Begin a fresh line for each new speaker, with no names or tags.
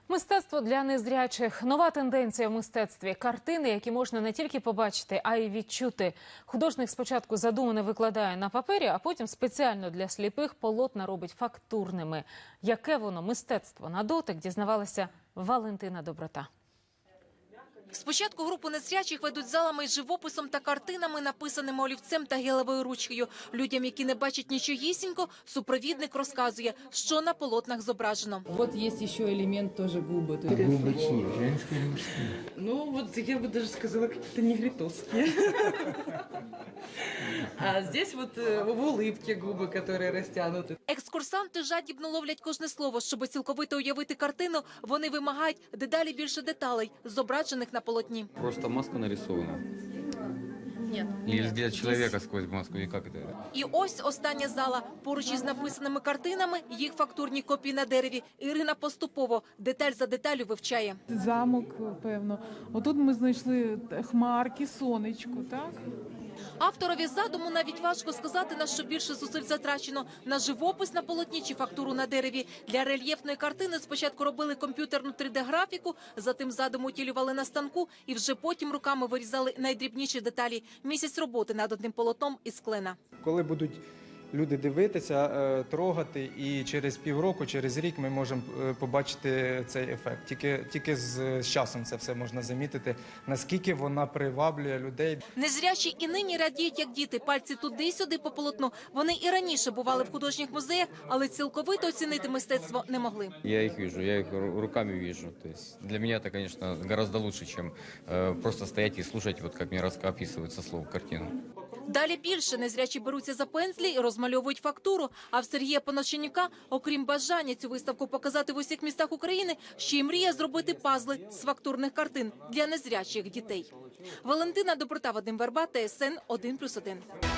Мистецтво для незрячих – нова тенденція в мистецтві. Картини, які можна не тільки побачити, а й відчути. Художник спочатку задумане викладає на папері, а потім спеціально для сліпих полотна робить фактурними. Яке воно мистецтво на дотик, дізнавалася Валентина Доброта.
Спочатку групу незрячих ведуть залами із живописом та картинами, написаними олівцем та гелевою ручкою. Людям, які не бачать нічогісінько, супровідник розказує, що на полотнах зображено.
Вот есть еще элемент тоже губы.
Губы чьи? Женские или мужские?
Ну вот я бы даже сказала какие-то негритовские. А здесь вот в улыбке губы, которые растянуты.
Екскурсанти жадібно ловлять кожне слово. Щоб цілковито уявити картину, вони вимагають дедалі більше деталей, зображених на полотні.
Просто маска нарисована.
Ні.
Или взгляд человека сквозь маску, и как это?
І ось остання зала. Поруч із написаними картинами їх фактурні копії на дереві. Ірина поступово, деталь за деталю вивчає.
Замок, певно. Отут ми знайшли хмарки, сонечко, так?
Авторові задуму навіть важко сказати, на що більше зусиль затрачено – на живопис на полотні чи фактуру на дереві. Для рельєфної картини спочатку робили комп'ютерну 3D-графіку, затим задум утілювали на станку і вже потім руками вирізали найдрібніші деталі. Місяць роботи над одним полотном із клена.
Коли будуть люди дивитися, трогати, і через півроку, через рік ми можемо побачити цей ефект. Тільки з часом це все можна замітити, наскільки вона приваблює людей.
Незрячі і нині радіють, як діти. Пальці туди-сюди по полотну. Вони і раніше бували в художніх музеях, але цілковито оцінити мистецтво не могли.
Я их вижу, я их руками вижу. То есть для меня это, конечно, гораздо лучше, чем просто стоять и слушать, вот как мне описывается слово картину.
Далі більше незрячі беруться за пензлі і розмальовують фактуру. А в Сергія Понощенюка, окрім бажання цю виставку показати в усіх містах України, ще й мріє зробити пазли з фактурних картин для незрячих дітей. Валентина Доброта, Вадим Верба, ТСН 1+1.